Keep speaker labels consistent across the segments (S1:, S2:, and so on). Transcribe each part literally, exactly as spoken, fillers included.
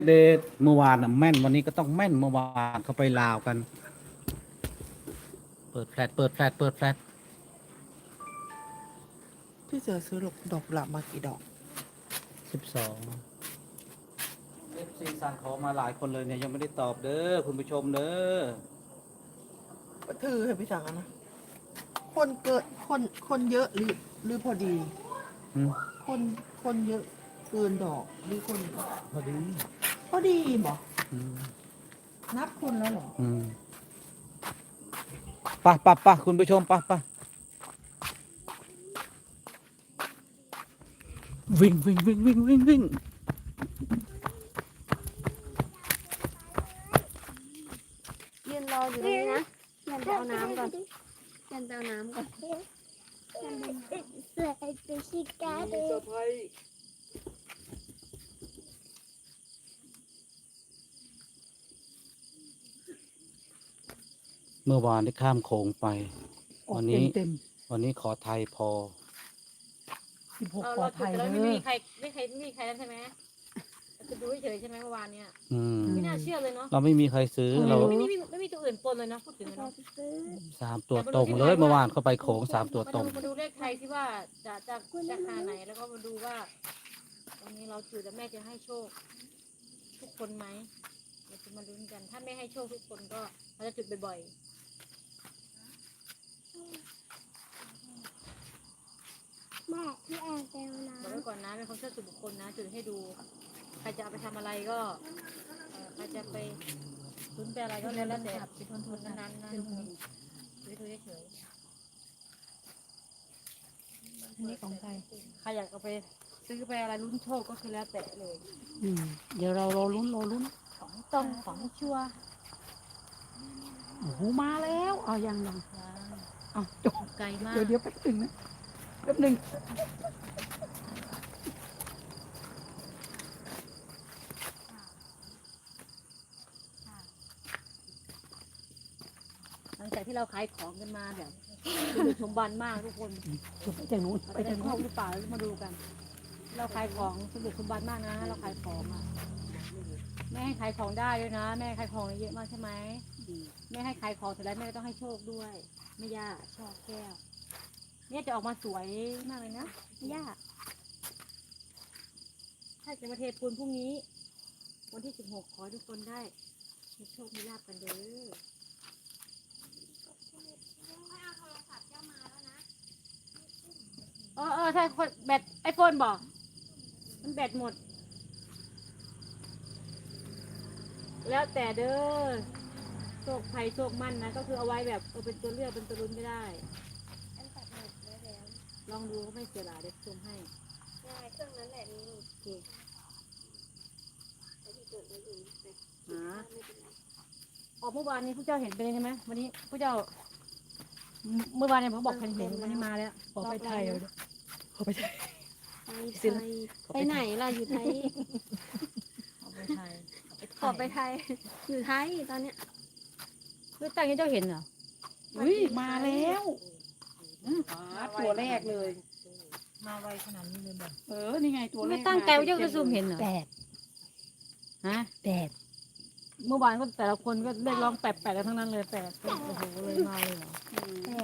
S1: เดย์เมื่อวานน่ะแม่นวันนี้ก็ต้องแม่นเมื่อวานเขาไปลาวกันเปิดแฟลชเปิดแฟลชเปิดแฟลช
S2: พี่เสือซื้อดอกดอกกุหลาบมากี่ดอก
S1: สิบสองเอฟซีสั่งของมาหลายคนเลยเนี่ยยังไม่ได้ตอบเด้อคุณผู้ชมเด้อ
S2: ถือให้พี่สั่งอะนะ คนเกิดคนคนเยอะหรือหรือพอดี
S1: อืม
S2: คนคนเยอะเกินดอกหรือคน
S1: พอดี
S2: พอดีบอก
S1: อืม
S2: นับคนแล้วเหรอ
S1: อืมไปะปะปะคุณผู้ชมปะปะวิ่งวิ่งวิ่งวิ่งวิ่งวิ่ง
S3: ยืนรออยู่ตรงนี้นะเดินไปเอาน้ำก่อนเดินไปเอาน้ำก่อน
S1: เมื่อวานได้ข้ามโขงไป วันนี้
S2: เต็ม
S1: วันนี้ขอไทยพอ
S2: สิบหก
S4: เรา
S2: ปอ
S4: เรา
S2: ไท
S4: จุด
S2: ย
S4: แต่
S2: เล
S4: เราไม่
S2: ย
S4: มีใครไม่ใครไม่มีใครแล้วใช่ไหมจะดูเฉยๆใช่ไหมเมื่อวานเนี่ย
S1: อืม
S4: ไม่น่าเชื่อเลยเนาะ
S1: เราไม่มีใครซื้อเรา
S4: ไม่มีไม่มีไม่มีตัวอื่นปนเลยเนาะพูดถึงเนาะ
S1: สามตัวตรงเลยเมื่อวานเข้าไปโขงสามตัว
S4: มา
S1: ตร
S4: ดู
S1: ง
S4: มาดูเลขไทยที่ว่าจะจะจะหาไหนแล้วก็มาดูว่าวันนี้เราจุดแล้วแม่จะให้โชค ทุกคนไหมเราจะมาลุ้นกัน ถ้าไม่ให้โชคทุกคนก็เราจะจุดบ่อย
S3: แม่ที่อ่างแก้ว
S4: ๆบอก
S3: น้ำ
S4: ไว้ก่อนนะเป็นความเชื่อส่วนบุคคลนะจุดให้ดู ใครจะเอาไปทำอะไรก็เอ่อใครจะไปลุ้นไปอะไรก็แล้วแต่คนทุนนั้นๆนะทุกคนดูดูเฉยๆ
S2: อันนี้ของใคร
S4: ใครอยากเอาไปซื้อไปอะไรลุ้นโชคก็คือแล้วแต่เลย
S2: อืมเดี๋ยวเรารอลุ้นรอลุ้น
S4: ของตรงของชัวร์
S2: โอ้โหมาแล้วเอายังยัง
S4: นะ
S2: เอาจบ
S4: ไกลมาก
S2: เดี๋ยวเดี๋ยวแป๊บหนึ่งนะแป๊บหนึ่ง
S4: หลังจากที่เราขายของกันมาแบบคือสมบันมากทุกคน
S2: จบไปจากนู้น
S4: เรา
S2: ไป
S4: จะได้
S2: จาก
S4: โช
S2: นู้
S4: คน หรือเปล่าแล้วมาดูกัน เราขายของสมบัติสมบัติมากนะ เราขายของอะแม่ให้ขายของได้ด้วยนะแม่ขายของเยอะมากใช่ไหมแม่ให้ขายของเสร็จแล้วแม่ก็ต้องให้โชคด้วยไม่ยากชอบแก้วเนี่ยจะออกมาสวยมากเลยนะไม่ยากถ้าจะมาเทปูนพรุ่งนี้ วันที่สิบหกขอให้ทุกคนได้มีโชคมีลาภกันเด้อเออเออใช่คนแบตไอโฟนบอกมันแบตหมด แล้วแต่เด้อโชคภัยโชคมั่นนะ ก็คือเอาไว้แบบเออเป็นตัวเลือกเป็นตัวรุนไม่ได้ ลองดูก็ไม่เสียหลายเดี๋ยวชมให้
S3: ได้เครื่องนั้นแหละนี่
S4: โอเคหาออกเมื่อวานนี้ผู้เจ้าเห็นไปเลยใช่ไหมวันนี้ผู้เจ้า เมื่อวานเนี่ยผมบอกเห็นเห็นวันนี้มาแล้ว
S2: ขอไปไทยเลยขอไปไทย
S3: ไปไทยไปไหนล่ะอยู่ไทย
S4: เอาไปไทย
S3: ขอไปไทย อยู่ไทยตอนเนี้ย
S4: คือตั้งนี้เจ้าเห็นเหรอ
S2: อุ้ยมาแล้วตัวแรกเลย
S4: มาไวขนาดนี้เลยแบบ
S2: เออ นี่ไงตัวแรก
S4: ไม่ตั้งใจว่าเจ้าจะซูมเห็นเหรอ
S2: แปด
S4: ฮะ
S2: แปด
S4: เมื่อวานก็แต่ละคนก็เรียกร้องแปดแปดกันทั้งนั้นเลยแปดโอ้โหเลยมาเลยเหรอ
S2: แปด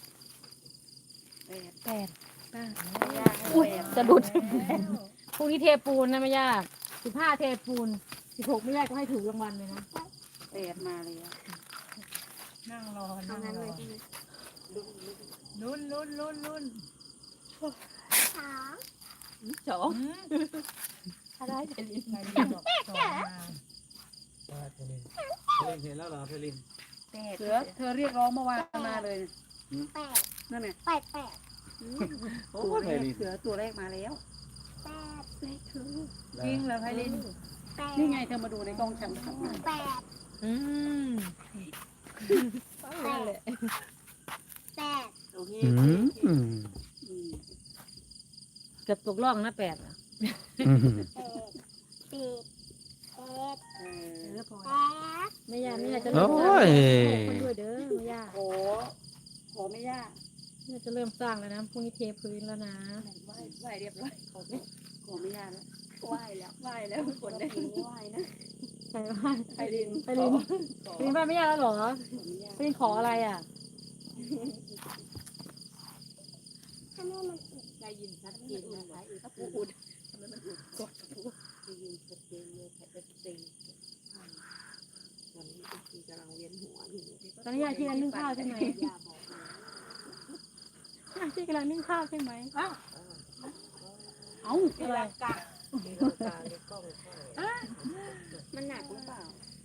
S2: แปดแปด
S4: อุ้ยจะดุดพรุ่งนี้เทปูนนะไม่ยากสิบห้าเทปูนสิบหกไม่ยากก็ให้ถูกรางวัลเลยนะ
S2: แปดมาเลยนั่งรอ
S3: เอา
S2: นั่ง
S3: นั้น
S2: ร
S3: เล
S2: อย
S3: ใช่ไหม
S2: ลุ้นลุ้นลุ้นลุ้น
S3: สาม
S2: สอง
S3: อะไร
S2: ไปลินไปลินบอกสองมา
S1: เพลินเห็นแล้วเหรอเพลิน
S2: แปดเสือเธอเรียกร้องเมื่อวานมาเลย
S3: แปด
S2: นั่นไง
S3: แปดแปด
S1: โอ้
S2: ตัว
S1: เพ
S2: แรก
S1: ลิน
S2: เสือตัวแรกมาแล้ว
S3: แปดเลขคือ
S2: จริงเหรอไพลิน
S3: แปด
S2: นี่ไงเธอมาดูในกล้องฉันขับมา
S3: แปด
S4: อืม
S3: แปดแปด
S2: โอเค
S1: อืมอืม
S2: อืม
S4: เกือบตกล่องนะแปดอะ
S1: อืม
S3: แปดปิดแปด
S2: เออ
S4: เออพอ
S3: แปด
S4: ไม่ยากไม่ยากจะ
S1: โอ้
S4: เริ่มสร้าง
S1: ย
S4: คนด้วยเด้อไม่ยาก
S2: ขอขอไม่ยาก
S4: เนี่ยจะเริ่มสร้างแล้วนะพรุ่งนี้เทพื้นแล้วนะ
S2: ไหว้ไหว้เรียบร้อยขอไม่ขอไม่ยากแล้ว
S3: ไหวแล้วไหวแล้วทุกคนได้ไหวนะ
S4: ใครว่า
S3: ไพริน
S4: ไปลินไปลินบ้านไม่ยากแล้วเหรอไปลินขออะไรอ่ะ
S3: ได้ยินชัดเจนนะคะอีกพูอุดทำไมมันอุดกดพูได้ยินชัดเจนเลยแต่เป็นตีวันนี้ตีกำลังเวียนหัวอยู่
S4: ตอนนี้ยายที่กำลังนึ่งข้าวใช่ไหม
S3: ยาบอกเลย
S4: ยายที่กำลังนึ่งข้าวใช่ไหมอ้าวเอ้าอะไร
S3: มันหนักหรือเปล่า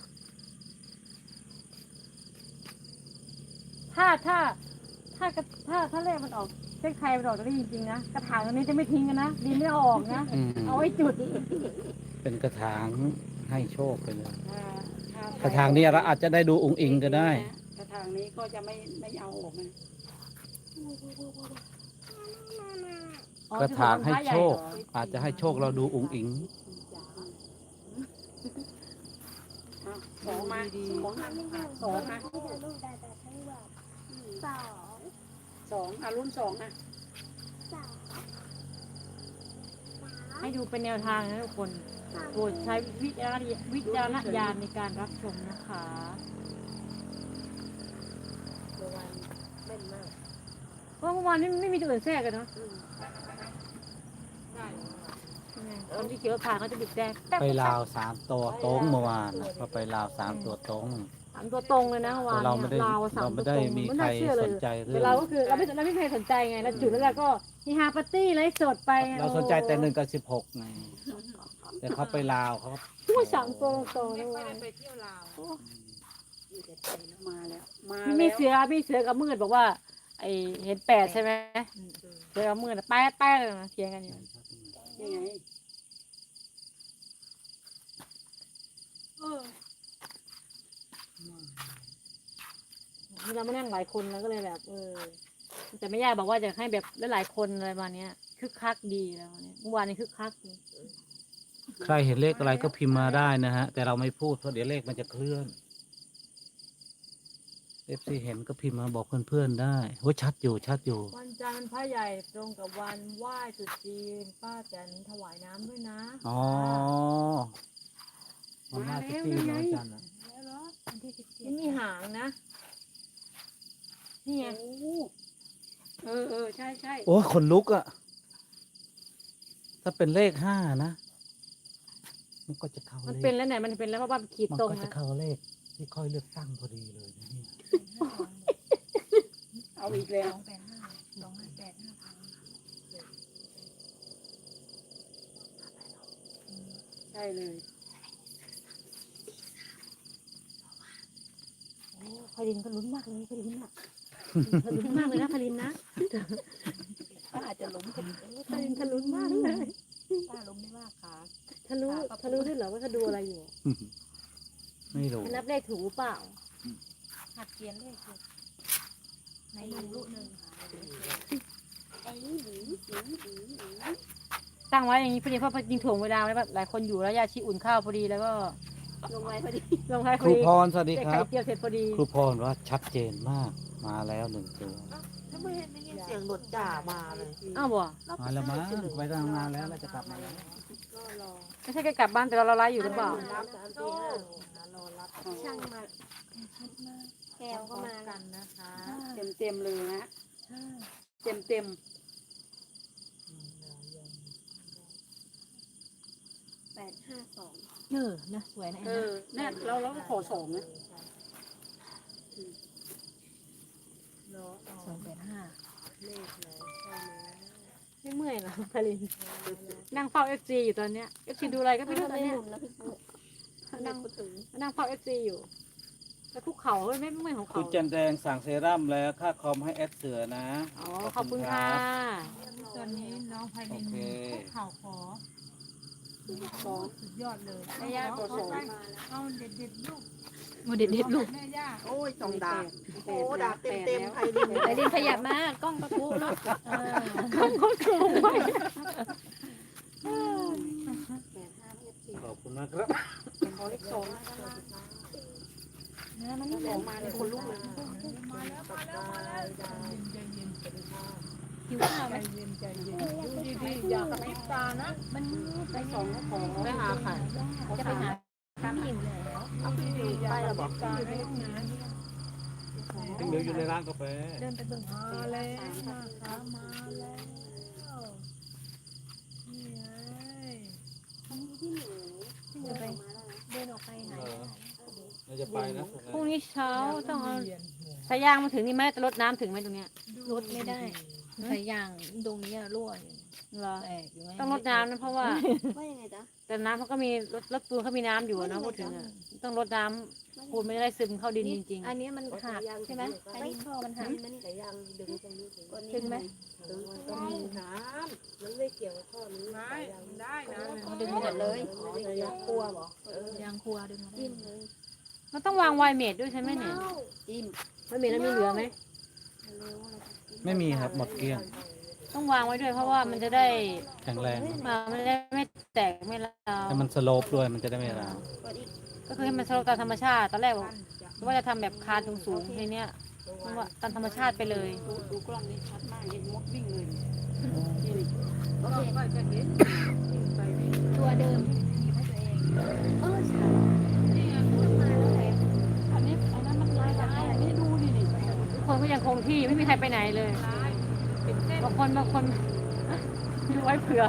S4: ถ้าถ้าถ้ากระถ้าถ้าเลขมันออกเลขไทยมันออกจะได้จริงๆนะกระถางอันนี้จะไม่ทิ้งกันนะดินไม่เอาออกนะ
S1: อืม
S4: เอาไว้จุด
S1: เป็นกระถางให้โชคไปเลย
S3: ถ้าถ้าก
S1: ระถางนี้เราอาจจะได้ดูองค์อิงก็ได้
S3: กระถางนี้ก็จะไม่ไม่เอาออกนะ
S1: กระถางให้โชค อาจจะให้โชคเราดูองค์อิง
S3: สองมาสองมาสองมาสองอารุ่นสองนะ
S4: ให้ดูเป็นแนวทางนะทุกคนโปรดใช้วิจารณวิจารณญาณในการรับชมนะคะ เพราะเมื่อวานนี้ไม่มีตัวอื่นแทรกกันเนาะ
S3: ได้
S4: ยังไงคนที่เขียวผ่านเขาจะบิดแดงแป๊บ
S1: ไปลาวสามตัวตรงเมื่อวานน่ะก็ไปลาวสามตัวตรง
S4: สามตัวตรงเลยนะเมื่อวา
S1: แต่
S4: น
S1: เราไม่ได้
S4: เนี่ยลาวสาม
S1: เรา
S4: ตั
S1: ไม่
S4: วต
S1: ได้
S4: รง
S1: มี
S4: ไม่
S1: ใคร
S4: น่าเชื่อเล
S1: ส
S4: ย
S1: นใจเรื่
S4: แต่
S1: อง
S4: เราก็คือเราไม่เราไม่เคยสนใจไงเราจุดแล้วเราก็ฮีฮาปาร์ตี้ไลฟ์สดไป
S1: เราสนใจแต่หนึ่งกับสิบหกไงแต่เขาไปลาวเขา
S4: ผู้สามตัวตรงๆนะ
S3: ไม่
S4: ว่า
S3: ได้ไปเที่ยวลาวอยู่แต่ไทยแล้วมาแล้วมา
S4: มี
S3: แล้ว
S4: มีเสือมีเสือกับมืดบอกว่า ไอเห็นแปดใช่ไหมเสือกับมืดอะแป๊ดแป๊ดเลยนะเถียงกันอยู่
S3: นี่ไง
S4: เราไม่นั่งหลายคนแล้วก็เลยแบบ เออแต่ไม่ยากบอกว่าจะให้แบบหลายๆคนอะไรประมาณเนี้ยคึกคักดีแล้ววันนี้เมื่อวานนี้คึกคักดี
S1: ใครเห็นเลขอะไรก็พิมพ์มาได้นะฮะ แต่เราไม่พูดเพราะเดี๋ยวเลขมันจะเคลื่อนเอฟซีเห็นก็พิมพ์มาบอกเพื่อนๆได้โอ้ยชัดอยู่ชัดอยู่
S4: วันจันทร์พระใหญ่ตรงกับวันไหว้ตรุษจีนป้าแตนถวายน้ำด้วยนะ
S1: อ๋อมันน่าจะตีน้อยจันนะ
S4: นี่มีหางนะนี่ไง
S3: โอ้เออเออใช่ใช่
S1: โอ้ยขนลุกอะถ้าเป็นเลขห้านะมันก็จะเข้า
S4: มัน
S1: เล
S4: เป็น
S1: ข
S4: แล้วไหนมันเป็นแล้วเพราะว่ามันขีด
S1: มัน
S4: ตรง
S1: ก็จะ
S4: นะ
S1: เข้าเลขที่ค่อยเลือกตั้งพอดีเลยนะเนี่ย
S3: เอาอีกแล้วใช่เลย
S4: พลินก็ลุ้นมากเลยพลินอ่ะลุ้นมากเลยนะพลินนะ
S3: ป้าอาจจะล้มกัน
S4: พลินทะลุนมากเลย
S3: ป้าล้มไม่ว่าขา
S4: ทะลุทะลุด้วยเหรอว่าเขาดูอะไรอยู่
S1: ไม่รู้
S4: นับเลขถูกเปล่า
S3: หัดเขียนเลขถูกในหนึ่งลูกหนึ่งไอ้หนีหนีหนีหนี
S4: ตั้งไว้อย่างนี้พอดีเพราะจริงถ่วงเวลาไว้แบบหลายคนอยู่แล้วยาชีอุ่นข้าวพอดีแล้วก็
S3: ลงไว้พอดี
S4: ลงท้าย
S1: ค
S4: พอ
S1: รู
S4: ดี
S1: พรสวัสดี
S4: ได้
S1: ค
S4: ไข่
S1: รับ
S4: เจียวเสร็จพอดี
S1: ครูพรว่าชัดเจนมากมาแล้วหนึ่งตัว
S2: ถ้าไม่เห็นได้ยินเสียงรถจ่ามาเลย
S4: อ้าวบ่
S1: มาแล้วมั้งไปทำงานแล้วเราจะกลับมาแล้ว
S3: ก็รอ
S4: ไม่ใช่แค่กลับบ้านแต่เราเราไลฟ์อยู่หรือเปล่า
S3: รับสามตีห้ารอรับช่างมาแก้วก็มากันนะคะ เต็มเต็มเลยนะเต็มเต็มแปดห้าสอง
S4: เออนะสวยนะ
S3: เออเนี่ยเราเราก็ขอสองนะ
S4: สองแปดห้า
S3: เลขเลยใช่ไหม
S4: ไม่เมื่อยเหรอพลินนั่งเฝ้าเอฟซีอยู่ตอนเนี้ยเอฟซีดูอะไรก็ไม่รู้ตอนเนี้ย
S3: นั่งถึง
S4: นั่งเฝ้าเอฟซีอยู่แล้วคุกเข่าไม่ไม่เมื่อยของ
S1: คุ
S4: เขา
S1: ณจันแดงสั่งเซรั่มแล้วค่าคอมให้แอดเสือนะ
S4: อ๋อขอบคุณค่ะ
S5: ตอนนี้น้องไพ
S1: โอ
S5: ลิน
S1: เค
S5: คุกเข่าขอ
S3: สอง
S5: สุดยอดเลย
S3: แม่ย่าขอสอง
S5: เอาเด็ดเด็ดๆลูก
S4: โมเด็ดเด็ดลูก
S5: แม่ย่า
S2: โอ้ยสองดาบ
S3: แป
S2: โอ้
S3: ด
S2: ดาบเต็มเต็มๆไพลิน
S3: ไปดินขยับมากล้องกระพุ้ลูก
S4: ข้างเขาสูงไป
S3: แปดห้าเลขสี่
S1: ขอบคุณมากครับ
S3: ขอเลขสองนะมันสองมาเลยคนลุกเลย
S5: มาแล้วมาแล้วมาแล้วเย็นเย็นเย็น
S4: หิวข้าวไหม
S5: ใจเย็นใจเย็นดูดีๆอย่ากระพริบตานะ
S4: มันไปสองก็ขอ
S2: ไปหาใคร
S4: จะไปหาพี่หญิงแล้ว
S2: เอาพี่อยู่ไปเหรอบอก
S5: ตาในห้องน้
S1: ถึงเดี๋ยวอยู่ในร้านกาแฟ
S4: เดินไปเบิ่ง
S5: ำมาแล้วนะคะมาแล้วนี่ไง
S4: จะไปเดินออกไปไหน
S1: เออเราจะไปนะ
S4: พรุ่งนี้เช้าต้องเอา
S5: เวียนหัว
S4: สายยางมาถึงนี่ไหมจะรดน้ำถึงไหมตรงเนี้ย
S3: รถไม่ได้สายยางตรงนี้รั่วอยู่
S4: เหรอ
S3: แตกอยู่ไหม
S4: ต้องรดน้ำนะเพราะว่า
S3: ว่ายังไงจ๊ะ
S4: แต่น้ำเขาก็มีรถรถปูนเขามีน้ำอยู่อะนะพูดถึงอะต้องรดน้ำปูนไม่ได้ซึมเข้าดินจริง
S3: อันนี้มันขาดใช่ไหมอันนี้ท่อมันหักถึงไหม
S5: ได้ได้นะ
S3: เอาดึงมาหมดเลยยางครัวบอยางครัวดึงมาจิ้มเลย
S4: ๆมันต้องวางไวเมดด้วยใช่ไหมเนี่ย
S3: จิ้ม
S4: ไวเมดแล้วมีเหลือไหม
S1: ไม่มีครับหมดเกลี้ยง
S4: ต้องวางไว้ด้วยเพราะว่ามันจะได้
S1: แข็งแรง
S4: มามันจะได้ไม่แตกไม่ร้าว
S1: ให้มันสโลปด้วยมันจะได้ไม่ร้าว
S4: ก็คือให้มันสโลปตามธรรมชาติตอนแรกบอกว่าจะทำแบบคานสูงๆทีเนี้ยเพราะว่าตามธรรมชาติไปเลย
S3: ดูกล้องนี้ชัดมากเห็นมดวิ่งเลย
S5: ก็ก็จะเห็นวิ่งไปวิ่ง
S3: ตัวเดิมหยิบให้ตัวเองเออใช่
S5: นี่ไง
S3: มาแล้วแหละ
S4: อันนี้อันนั้นมันลายลายอันนี้ดูดิดิทุกคนก็ยังคงที่ไม่มีใครไปไหนเลย
S5: ซ้ายเป็นเส้น
S4: บางคนบางคนไว้เผื่อ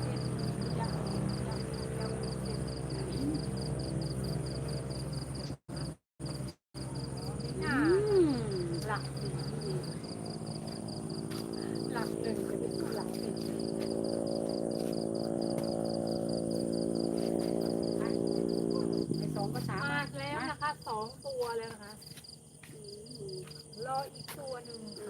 S5: หน้า
S4: อืมหลัก
S5: หลักหนึ่งจะเป็นหลักหนึ่ง
S4: ไอ้สองก็สาม
S5: มาแล้วนะคะสองตัวแล้วนะคะรออีกตัวหนึ่งค่ะ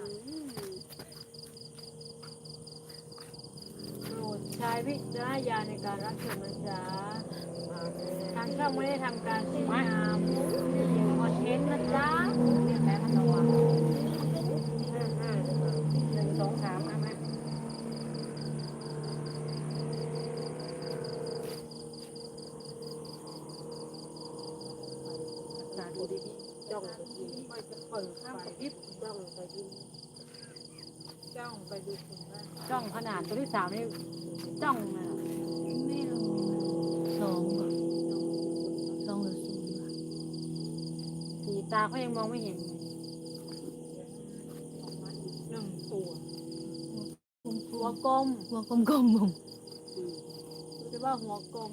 S4: โปรดใช้วิจารณญาณในการรับชมนะจ๊ะทางช่องไม่ได้ทำการเสียงามเสียงคอนเทนต์นะจ๊ะเรียกแม่มันระวังห้าห้าหนึ่งสองสามเอาไหม
S5: ดูดีๆจ้องไปดูไปจะเปิดไฟยิบจ้องไปดูจ้องไปดูคนบ้าน
S4: จ้องขนาดตัวที่สามนี่จ้องเลยอะ
S3: ไม่ลงสองเหรอสองหรือศูนย์วะ
S4: สีตาเขายังมองไม่เห็นเลย
S5: หนึ่งตัว
S4: หัวกลม
S3: หัวกลมๆผม
S4: รู้สึกว่าหัวกลม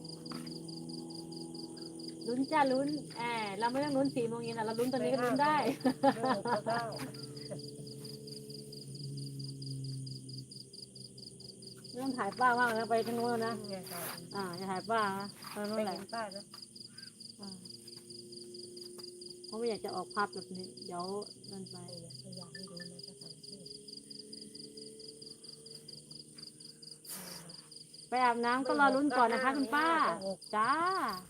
S4: ลุ้นจ้าลุ้นแอบเราไม่ต้องลุ้นสี่โมงเย็นอะเราลุ้นตอนนี้ก็ลุ้นได้ ไม่ต้องถ่ายป้ามากนะไปทางโน้นนะ อ่าจะถ่ายป้านะตอนนู้นแหละอ่าเพราะไม่อยากจะออกภาพแบบนี้ เดี๋ยวนั่นไปไปอาบน้ำก็รอลุ้นก่อนนะคะคุณป้า จ้า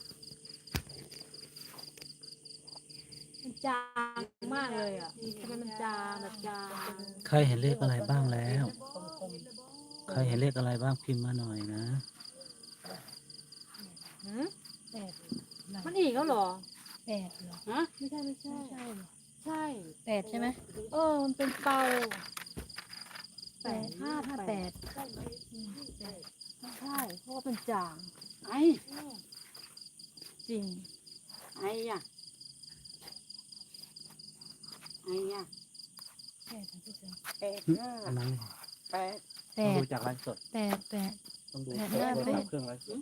S4: มันจางมากเลยอ่ะทำไมมันจางแบบจาง
S1: ใครเห็นเลขอะไรบ้างแล้ว ใครเห็นเลขอะไรบ้างพิมพ์มาหน่อยนะ
S4: หืม
S3: แปด
S4: มันอีกแล้วเหรอ
S3: แปดเหรอ
S4: ฮะไม่ใช่ไม่ใช่
S3: ใช่เหรอ
S4: ใช่
S3: แปดใช่ไหม
S4: เออ มันเป็นเปา
S3: แปดห้าห้าแปด
S4: ใช่เพราะว่าเป็นจางไอ้จริง ไอ้อะไอ้อะ
S3: แปดพี่เสือ
S4: แปดห้า
S1: อันนั้น
S4: แปด
S3: แป
S1: ต้อง
S3: ด
S1: ดูจากไลฟ์สด
S3: แปดแปด
S1: ต้องดู
S3: แปด
S1: เครื่อง
S3: ห้าแปด
S1: เครื่องไลฟ์สด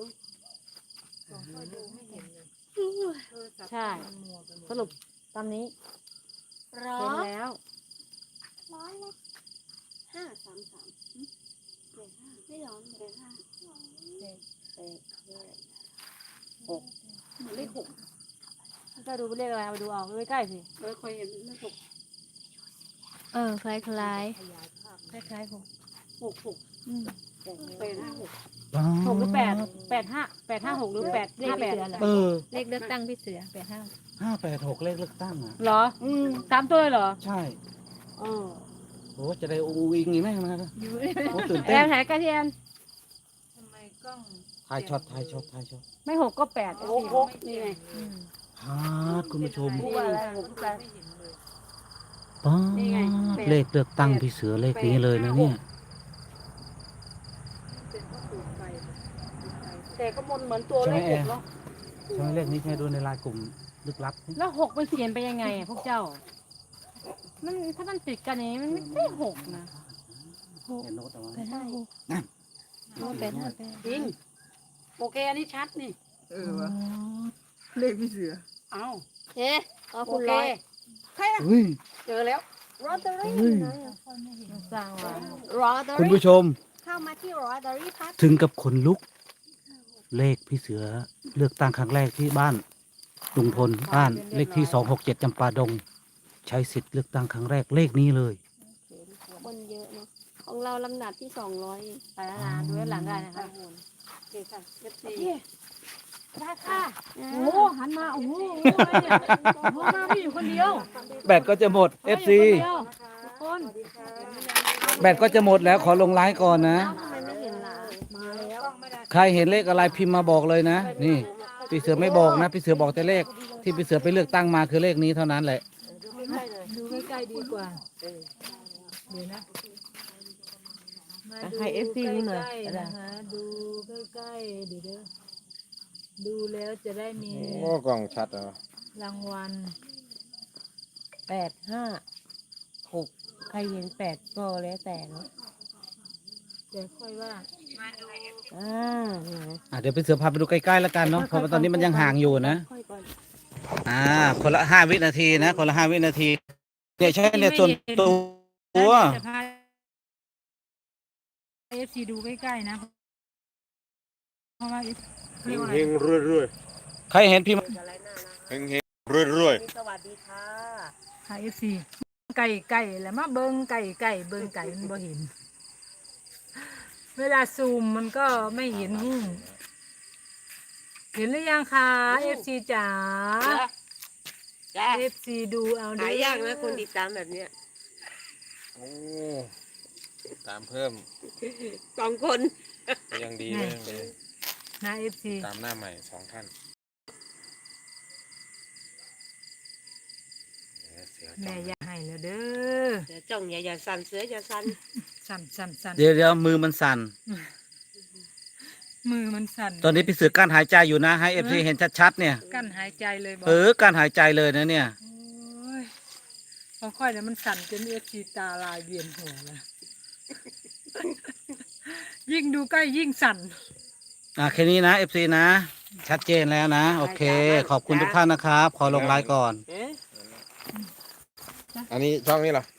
S4: ใช่ สรุปตามนี้
S3: ร้อ
S4: เห็น
S3: ย
S4: แล้ว
S3: ร้อยละห้าสามสามแปดห้าไม่ร้อนแปดห้าแปดแปดหกเหมือนเลขหก
S4: จะดูเป็นเลขอะไรเอาไปดูเอาใกล้ๆสิ
S3: เออเคยเห็นเลขหกเออคล้ายคล้ายคล้ายคล้ายหกหกหกอืมแปดห้าหก
S4: หกหรือแปดแปดห้าแปดห้าหกหรือแปดเลขแปด
S1: เออ
S3: เลขเลือกตั้งพี่เสือแปดห้า
S1: ห้าแปดหกเลขเลือกตั้งอ่ะ
S4: เหรอสามตัวเลยเหรอ
S1: ใช่
S4: เออ
S1: โอ้จะได้อูอิงอีกไหมมาโอ้ตื่น
S4: แอ
S1: เต้น
S4: นถ่ายใกล้ที่แอน
S5: ทำไมกล้อง
S1: ถ่ายช็อตถ่ายช็อตถ่ายช็อต
S4: ไม่หกก็แปด
S5: โอ้โหนี่ไง
S3: อืม
S1: ฮาดคุณผู้ชม
S5: พูดว่าอะไรผมแปลไม่เห็นเลย
S1: ป๊า
S3: นี่ไงแปด
S1: เลขเลือกตั้งพี่เสือเลขนี้เลยนะเนี่ย
S5: เป็นพ่อปู่ไฟ
S3: แต่ก็มนเหมือนตัวเลขหกเนาะ
S1: ใช่ไหมเลขนี้ใช่ดูในไลน์กลุ่มลึกลับ
S4: แล้วหกมันเขียนไปยังไงอะพวกเจ้า มันถ้ามันติดกันอย่างนี้มันไม่ใช่หกนะ
S1: โน้ตเอาไว้
S3: แปดห้าหก
S1: นั่น
S3: โอ้แปดห้าแปดจริงโอเคอันนี้ชัดนี่
S2: เออวะเลขพี่เสือ
S3: เอ้าเอ๊ะเอาคุณร้อยใครอะ
S1: เฮ้ย
S3: เจอแล้วรอตเตอรี่
S1: เฮ้ย
S4: มันสร้างไว้
S3: รอตเตอ
S1: คุณ
S3: รี่
S1: ผู้ชม
S3: เข้ามาที่รอตเตอรี่พัด
S1: ถึงกับขนลุก เลขพี่เสือเลือกตั้งครั้งแรกที่บ้านลุงพลบ้านเลขที่สองหกเจ็ดจำปาดง ใช้สิทธิ์เลือกตั้งครั้งแรกเลขนี้เลย
S3: คนเยอะเนาะของเราลำดับที่สองร้อย
S4: ไปแล้วนะดูด้านหลังได้นะคะ
S3: โอเคค่ะเอฟซี
S4: ได้ค่ะ โอ้โหหันมา โอ้โหอะไรเนี่ยโอ้โหมาพี่อยู่คนเดียว
S1: แบตก็จะหมด เอฟ ซี
S4: อยู่คนเดียวทุกคน
S1: แบตก็จะหมดแล้วขอลงไลน์ก่อนนะ
S3: ทำไมไม่เห็นล่ะมาแล้ว
S1: ใครเห็นเลขอะไรพิมพ์มาบอกเลยนะ นี่พี่เสือไม่บอกนะพี่เสือบอกแต่เลข ที่พี่เสือไปเลือกตั้งมาคือเลขนี้เท่านั้นแหละ
S5: ดูใกล้ๆดีกว่าเดี๋ยวนะมาดู
S2: ให้เอฟซีนี่หน่อย
S5: ใกล้ๆนะคะดูใกล้ๆเดี๋ยวเด้อดูแล้วจะได้มี
S6: โอ้กล่องชัดเหรอ
S5: รางวัล
S7: แปดห้าหกใครเห็นแปดก็แล้วแต่เนาะ
S5: เดี๋ยวค่อยว่า
S7: อ่านี่นะ
S1: อ่ะเดี๋ยวพี่เสือพาไปดูใกล้ๆแล้วกันเนาะเพราะว่าตอนนี้มันยังห่างอยู่นะ
S3: ค่อยก่อน
S1: อ่า คนละห้าวินาทีนะ คนละห้าวินาทีเนี่ยใช่เนี่ยส่วนตัว
S5: จะพาเอฟซีดูใกล้ๆนะเพราะว่า F
S6: เฮงเฮงรวยรวย
S1: ใครเห็นพิมพ์
S6: เฮงเฮงรวยรวย
S7: สวัสดีค่ะ
S5: ค่ะเอฟซีไก่ไก่แล้วมาเบิ้งไก่ไก่เบิ้งไก่มันบ่เห็น เวลาซูมมันก็ไม่เห็นหุ้งเห็นหรือยังคะเอฟซีจ๋า
S7: จ้า
S5: เอฟซีดูเอา
S7: หายากนะคนติดตามแบบเนี้ย
S6: โอ้ตามเพิ่ม
S7: สองคน
S6: ก็ยังดีก็ยังดี
S5: นะเอฟซี
S6: ตามหน้าใหม่สองท่านเดี๋ยวเสือ
S5: แม่
S6: จ้อง
S5: อย่าให้แล้วเด้อ
S7: เสือจ้องอย่าอย่าสั่นเสืออย่าสั่น
S5: สั่นสั่นสั่น
S1: เดี๋ยวเดี๋ยวมือมันสั่น
S5: มือมันสั่น
S1: ตอนนี้พี่เสือกั้นหายใจอยู่นะ ให้เอฟซีเห็นชัดๆเนี่ย
S5: กั้นหายใจเลยบอก
S1: เออกั้นหายใจเลยนะเนี่ย
S5: โอ้ยพอค่อยแล้วมันสั่นจนเอฟซีตาลายเวียนหัวแล้ว ยิ่งดูใกล้ยิ่งสั่น
S1: อ่ะแค่นี้นะเอฟซีนะ ชัดเจนแล้วนะ โอเค ขอบคุณทุกท่านนะครับ ขอลงไลน์ก่อน
S7: เอ๊ะ
S6: อันนี้ช่องนี้เหรอ